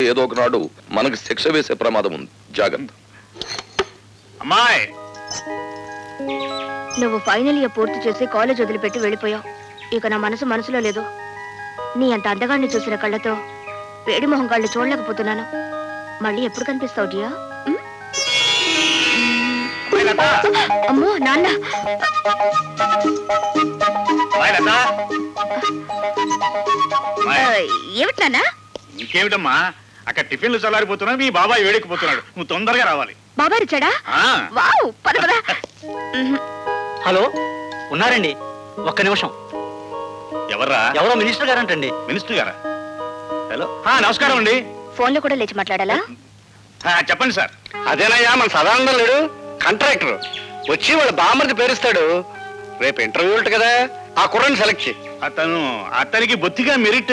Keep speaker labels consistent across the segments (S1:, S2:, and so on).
S1: ఏదో ఒకనాడు మనకు శిక్ష వేసే ప్రమాదం ఉంది. జాగ్రత్త.
S2: అమ్మాయి,
S3: నువ్వు ఫైనల్ ఇయర్ పూర్తి చేసి కాలేజ్ వదిలిపెట్టి వెళ్ళిపోయావు. ఇక నా మనసులో లేదు. నీ అంత అందగాన్ని చూసిన కళ్ళతో వేడి మొహం కళ్ళు చూడలేకపోతున్నాను. మళ్ళీ ఎప్పుడు కనిపిస్తావు డియా? అమ్మో నాన్న. ఏమిటి నాన్న?
S2: ఇంకేమిటమ్మా, అక్కడ టిఫిన్లు చల్లారిపోతున్నా, మీ బాబాయ్ వేడెక్కిపోతున్నాడు. నువ్వు తొందరగా రావాలి.
S3: బాబాయ్ వచ్చాడా? వావ్, పద పద.
S4: హలో, ఉన్నారండి? ఒక్క నిమిషం.
S2: ఎవర్రా?
S4: ఎవరో మినిస్టర్ గారంటండి.
S2: మినిస్టర్ గారా? హలో, నమస్కారం అండి.
S3: ఫోన్ లో కూడా లేచి మాట్లాడాలా?
S2: చెప్పండి సార్.
S4: అదేనయ్యా, మన సదానందం లేడు, కాంట్రాక్టర్ వచ్చి వాళ్ళ బామ్మర్ది పేరుస్తాడు. రేపు ఇంటర్వ్యూ ఉంటుంది కదా, ఆ కుర్రని సెలెక్ట్ చేయి.
S2: అతనికి బొత్తిగా మెరిట్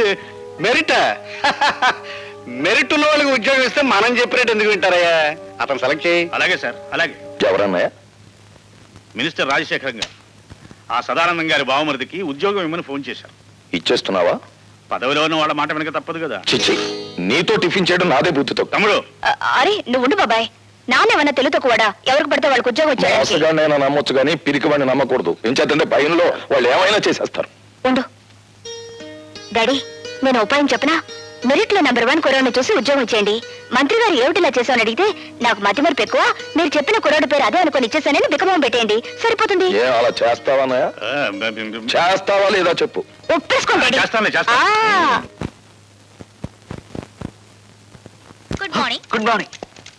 S4: మెరిట్ ఉన్న వాళ్ళకి ఉద్యోగం ఇస్తే మనం చెప్పినట్టు ఎందుకు వింటారయ్యా? అతను సెలెక్ట్ చేయి.
S2: అలాగే సార్, అలాగే.
S1: ఎవరన్నాయా?
S2: మినిస్టర్ రాజశేఖరం గారు ఆ సదానందం గారి బావమరిదికి ఉద్యోగం ఇమ్మని ఫోన్ చేశారు.
S1: ఇచ్చేస్తున్నావా?
S2: పదవిలో ఉన్న వాళ్ళ మాట వెనక తప్పదు కదా.
S1: చిచ్చి, నీతో టిఫిన్ చేయడం నాదే బుద్ధితో.
S2: తమ్ముడు,
S3: అరే నువ్వు ఉండు బాబాయ్. నానేమన్నా తెలుతో కూడా ఎవరికి పడితే వాళ్ళకి ఉద్యోగం వచ్చాడు.
S1: నేను నమ్మొచ్చు కానీ పిరికి వాడిని నమ్మకూడదు. ఏం చేద్దంటే భయంలో వాళ్ళు ఏమైనా చేసేస్తారు.
S3: ఉండు డాడీ, నేను ఉపాయం చెప్పనా? మెరిట్ లో నెంబర్ 1 కుర్రాడిని చూసి ఉద్యోగం ఇచ్చేయండి. మంత్రి గారు ఏమిటిలా చేశామని అడిగితే నాకు మతి మరపు ఎక్కువ, మీరు చెప్పిన కుర్రాడి పేరు అదే అనుకుని ఇచ్చేసానని బికమం పెట్టేయండి, సరిపోతుంది.
S1: అలా చేస్తావా? చేస్తావా లేదా చెప్పు.
S3: ఒప్పేసుకోండి. Good morning.
S4: Good morning.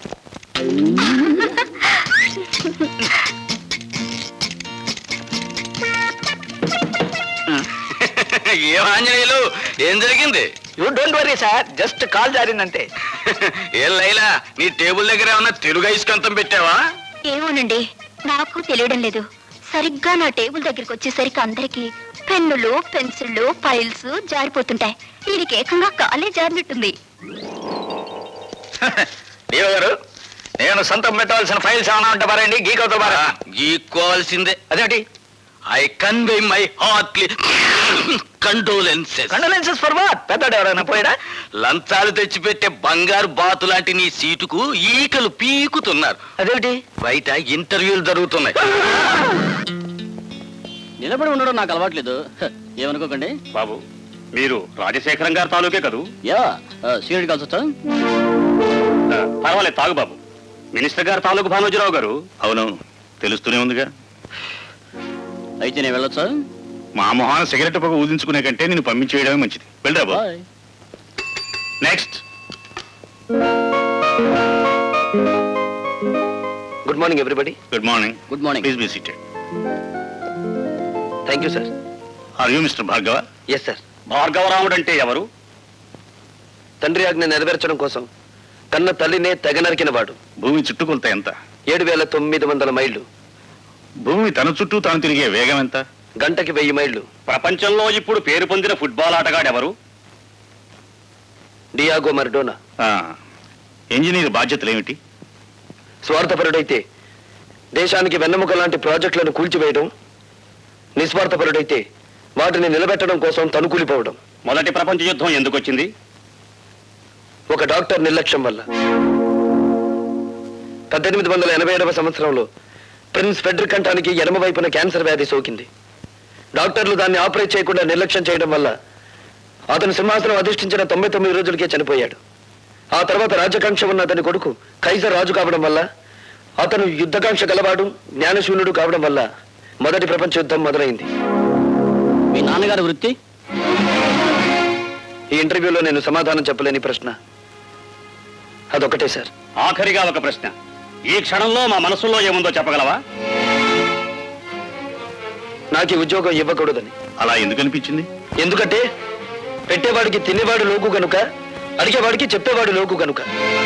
S5: ఏం ఆంజనేయులు, ఏం జరిగింది?
S4: You don't worry sir, just call జారిందంటే.
S5: ఏం లైలా, నీ టేబుల్ దగ్గర ఏమన్నా తెలుగు ఐస్కంతం పెట్టావా?
S3: ఏమోనండి, నాకు తెలియడం లేదు. సరిగ్గా నా టేబుల్ దగ్గరికి వచ్చేసరికి అందరికి పెన్నులు, పెన్సిళ్ళు, ఫైల్స్ జారిపోతుంటాయి. దీనికి ఏకంగా కాలే జారినట్టుంది.
S5: దేవ గారు, నేను సొంతం పెట్టవలసిన ఫైల్స్ ఏమైనా ఉంటే పారండి. గీకోతో పారా? గీక్కోవాల్సిందే. అదేంటి? I convey my heartly condolences.
S4: Condolences for what? పెద్దడు ఎవరైనా పోయాడా?
S5: లంచాలు తెచ్చిపెట్టే బంగారు బాతు లాంటి నీ సీటుకు ఈకలు పీకుతున్నారు.
S4: అదేంటి?
S5: బయట ఇంటర్వ్యూలు జరుగుతున్నాయి.
S4: నిలబడి ఉండడం నాకు అలవాట్లేదు, ఏమనుకోకండి.
S2: బాబు, మీరు రాజశేఖరం గారి తాలూకే కదూ?
S4: యా, సీనియర్ కలిసి వచ్చా?
S2: పర్వాలేదు, తాగు బాబు. మినిస్టర్ గారు తాలూకు భానోజీరావు గారు. అవునవును, తెలుస్తూనే ఉందిగా.
S4: అయితే నేను వెళ్ళొచ్చా?
S2: మా మొహాన సిగరెట్ పొగ ఊదించుకునే కంటే నేను పంపించేయడమే మంచిది. వెళ్ళరా బాబు. Next.
S4: Good morning everybody.
S2: Good morning.
S4: Good morning.
S2: Please be seated.
S4: Thank you sir.
S2: Are you mister Bhargava?
S4: Yes sir.
S2: Bhargavaramudu అంటే ఎవరు?
S4: తండ్రి ఆజ్ఞ నెరవేర్చడం కోసం కన్న తల్లినే తెగ నరికిన వాడు.
S2: భూమి చుట్టుకొలత ఎంత?
S4: 7,900 మైళ్ళు.
S2: భూమి తన చుట్టూ తాను తిరిగే వేగం ఎంత?
S4: గంటకి 1000 మైళ్ళు.
S2: ప్రపంచంలో ఇప్పుడు పేరు పొందిన ఫుట్బాల్ ఆటగాడు ఎవరు?
S4: డియాగో మరడోనా.
S2: ఇంజనీర్ బాధ్యతలు ఏమిటి?
S4: స్వార్థపరుడైతే దేశానికి వెన్నెముక లాంటి ప్రాజెక్టులను కూల్చివేయడం, నిస్వార్థపరుడైతే వాటిని నిలబెట్టడం కోసం తనుకూలిపోవడం.
S2: మొదటి ప్రపంచ యుద్ధం ఎందుకు వచ్చింది?
S4: ఒక డాక్టర్ నిర్లక్ష్యం వల్ల. 1887వ సంవత్సరంలో ప్రిన్స్ ఫెడ్రిక్ కంఠానికి ఎడమ వైపున క్యాన్సర్ వ్యాధి సోకింది. డాక్టర్లు దాన్ని ఆపరేట్ చేయకుండా నిర్లక్ష్యం చేయడం వల్ల అతను సింహాసనం అధిష్ఠించిన 99 రోజులకే చనిపోయాడు. ఆ తర్వాత రాజకాంక్ష ఉన్న అతని కొడుకు కైజర్ రాజు కావడం వల్ల, అతను యుద్ధకాంక్ష గలవాడు, జ్ఞానశూన్యుడు కావడం వల్ల మొదటి ప్రపంచ యుద్ధం మొదలైంది.
S6: మీ నాన్నగారి వృత్తి?
S4: ఈ ఇంటర్వ్యూలో నేను సమాధానం చెప్పలేని ప్రశ్న అదొకటే సార్.
S2: ఆఖరిగా ఒక ప్రశ్న. ఈ క్షణంలో మా మనసులో ఏముందో చెప్పగలవా?
S4: నాకు ఈ ఉద్యోగం ఇవ్వకూడదని.
S2: అలా ఎందుకు అనిపించింది?
S4: ఎందుకంటే పెట్టేవాడికి తినేవాడు లోకు గనుక, అడిగేవాడికి చెప్పేవాడు లోకు గనుక.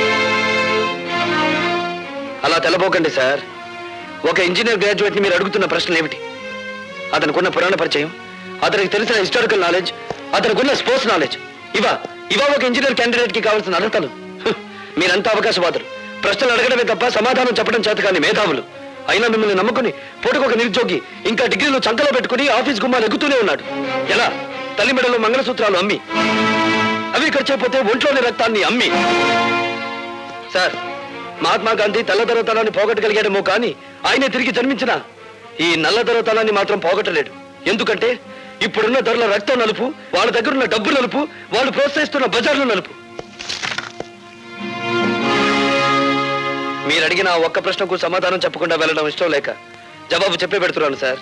S4: అలా తెలబోకండి సార్. ఒక ఇంజనీర్ గ్రాడ్యుయేట్ ని మీరు అడుగుతున్న ప్రశ్నలు ఏమిటి? అతనికున్న పురాణ పరిచయం, అతనికి తెలిసిన హిస్టారికల్ నాలెడ్జ్, అతనికున్న స్పోర్ట్స్ నాలెడ్జ్, ఇవా ఒక ఇంజనీర్ క్యాండిడేట్ కి కావాల్సిన అర్హతలు. మీరంతా అవకాశవాదులు. ప్రశ్నలు అడగడమే తప్ప సమాధానం చెప్పడం చేత కానీ మేధావులు. అయినా మిమ్మల్ని నమ్ముకుని పూటకొక నిరుద్యోగి ఇంకా డిగ్రీలు చంకలో పెట్టుకుని ఆఫీస్ గుమ్మాలు ఎగుతూనే ఉన్నాడు. ఎలా? తల్లి మెడలో మంగళసూత్రాలు అమ్మి. అవి ఖర్చైపోతే ఒంట్లోని రక్తాన్ని అమ్మి. సార్, మహాత్మా గాంధీ తెల్లదొరతనాన్ని పోగొట్టగలిగాడేమో కానీ ఆయనే తిరిగి జన్మించిన ఈ నల్లదొరతనాన్ని మాత్రం పోగొట్టలేడు. ఎందుకంటే ఇప్పుడున్న ధరల రక్తం నలుపు, వాళ్ళ దగ్గర ఉన్న డబ్బు నలుపు, వాళ్ళు ప్రోత్సహిస్తున్న బజార్లు నలుపు. మీరు అడిగిన ఆ ఒక్క ప్రశ్నకు సమాధానం చెప్పకుండా వెళ్ళడం ఇష్టం లేక జవాబు చెప్పే పెడుతున్నాను సార్.